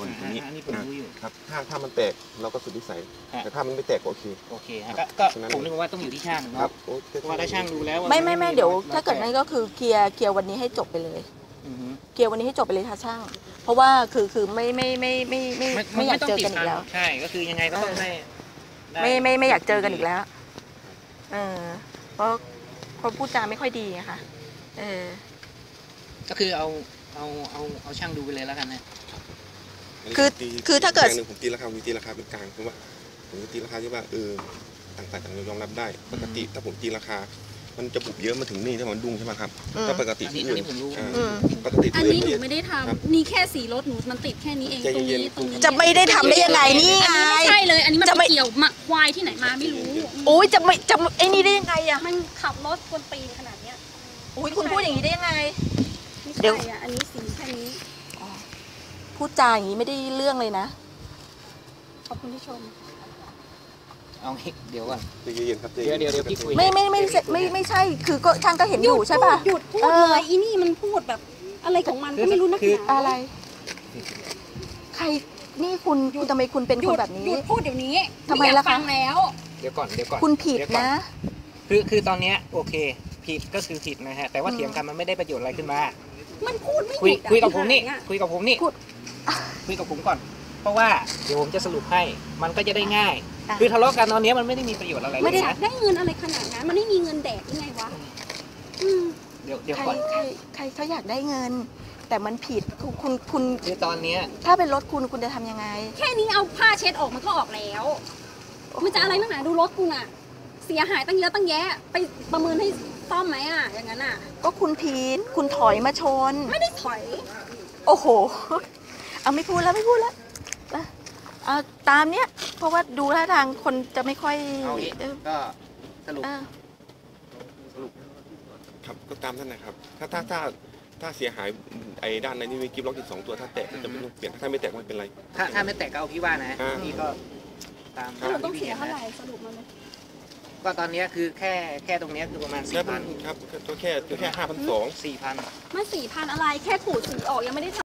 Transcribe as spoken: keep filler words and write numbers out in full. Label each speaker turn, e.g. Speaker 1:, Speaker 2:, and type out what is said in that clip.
Speaker 1: อยู่ตรงนี้
Speaker 2: อันนี้ผมรู้อยู่
Speaker 1: ครับถ้าถ้ามันแตกเราก็สุดวิสัยแต่ถ้ามันไม่แตกโอเค
Speaker 2: โอเคก็ก็ผมนึกว่าต้องอยู่ที่ช่างเนาะเพราะว่าถ้าช่างดูแล้ว
Speaker 3: ไม่ไม่ไม่เดี๋ยวถ้าเกิดนั้นก็คือเคลียร์เคลียร์วันนี้ให้จบไปเลยเคลียร์วันนี้ให้จบไปเลยค่ะช่าง เพราะว่าคือคือไม่ไม่ไม่ไม่ไม่ไม่อยากเจอกันอีกแล้ว
Speaker 2: ใช่ก็คือยังไงก็ต้องได้
Speaker 3: ไม่ไม่ไม่อยากเจอกันอีกแล้วเออเพราะเพราะพูดจาไม่ค่อยดีอะค่ะเออ
Speaker 2: ก็คือเอาเอาเอาเอาช่างดูไปเลยแล้วกันนะ
Speaker 3: คือคือถ้าเกิด
Speaker 1: ผมตีราคาผมตีราคาเป็นกลางเพราะว่าผมตีราคาที่ว่าเออต่างฝ่ายต่างยอมรับได้ปกติถ้าผมตีราคามันจะบุบเยอะมาถึงนี่ถ้ามันดุ้งใช่ไหมครับถ้าปกติที่อื่นปกติ
Speaker 4: อันนี้หนูไม่ได้ทำนี่แค่สีรถหนูมันติดแค่นี้เองตรงนี้ตรงนี้
Speaker 3: จะไม่ได้ทำได้ยังไงนี่ไง
Speaker 4: ไม่ใช่เลยอันนี้มันจะเกี่ยวมาควายที่ไหนมาไม่รู้
Speaker 3: โอ้ยจะไม่จะไอ้นี่ได้ยังไงอะ
Speaker 4: มันขับรถกวนตีนขนาดเนี้ย
Speaker 3: โอ้ยคุณพูดอย่างนี้ได้ยังไง
Speaker 4: เดี๋ยวอันนี้สีแค่นี้
Speaker 3: พูดจาอย่างนี้ไม่ได้เรื่องเลยนะ
Speaker 4: ขอบคุณที่ชม
Speaker 2: เอาเดี๋ยวก่อน
Speaker 1: เย็นๆครับ
Speaker 2: เดี๋ยวเดี๋ยวเดี๋ยวพี่คุย
Speaker 3: ไม่ไม่ไม่ไม่ไม่ใช่คือก็ช่างก็เห็นอยู่ใช่ป่ะ
Speaker 4: หยุดพูดเลยอีนี่มันพูดแบบอะไรของมันก็ไม่รู้นักหนา
Speaker 3: อะไรใครนี่คุณคุณทำไมคุณเป็นคนแบบนี้
Speaker 4: หยุดพูดเดี๋ยวนี้
Speaker 3: ทำไมล่ะคะ
Speaker 4: แล้ว
Speaker 2: เดี๋ยวก่อนเดี๋ยวก่อน
Speaker 3: คุณผิดนะ
Speaker 2: คือคือตอนเนี้ยโอเคผิดก็คือผิดนะฮะแต่ว่าเถียงกันมันไม่ได้ประโยชน์อะไรขึ้นมา
Speaker 4: มันพูดไม่
Speaker 2: คุยคุยกับผมนี่คุยกับผมนี่คุยกับผมก่อนเพราะว่าเดี๋ยวผมจะสรุปให้มันก็จะได้ง่ายคือทะเลาะกันตอนนี้มันไม่ได้มีประโยชน์อะไรเลยนะ
Speaker 4: ไม่ได้ได้เงินอะไรขนาดนั้นมันไม่มีเงินแดกยังไงวะ
Speaker 2: เดี๋ยวเดี๋ยว
Speaker 3: ใคร
Speaker 2: ก่อน
Speaker 3: ใครใครเขาอยากได้เงินแต่มันผิดคุณคุณคุณ
Speaker 2: คือตอนนี้
Speaker 3: ถ้าเป็นรถคุณคุณจะทำยังไง
Speaker 4: แค่นี้เอาผ้าเช็ดออกมันก็ออกแล้วมันจะอะไรนักหนาดูรถกูน่ะเสียหายตั้งเยอะตั้งแยะไปประเมินให้ซ่อมไหมอ่ะอย่างนั้นอ่ะ
Speaker 3: ก็คุณผิดคุณถอยมาชน
Speaker 4: ไม่ได้ถอย
Speaker 3: โอ้โหเอาไม่พูดแล้วไม่พูดแล้วเอาตามเนี้ยเพราะว่าดูท่าทางคนจะไม่ค่อย
Speaker 2: ก็สรุป
Speaker 1: สรุปครับก็ตามท่านนะครับถ้าถ้าถ้าถ้าเสียหายไอ้ด้านในนี่มีกิฟต์ล็อกอีกสองตัวถ้าแตกจะไม่ต้องเปลี่ยนถ้าไม่แตกไม่เป็นไร
Speaker 2: ถ้าถ้าไม่แตกก็เอาพี่ว่านะพี่ก็ตาม
Speaker 4: เราต้องเสียเท่าไหร่สรุปมาเลย
Speaker 2: ก็ตอนนี้คือแค่แค่ตรงนี้คือประมาณสี่พัน
Speaker 1: ครับก็แค่แค่ห้าพันสอง
Speaker 2: สี่พัน
Speaker 4: ไม่สี่พันอะไรแค่ขูดสีออกยังไม่ได้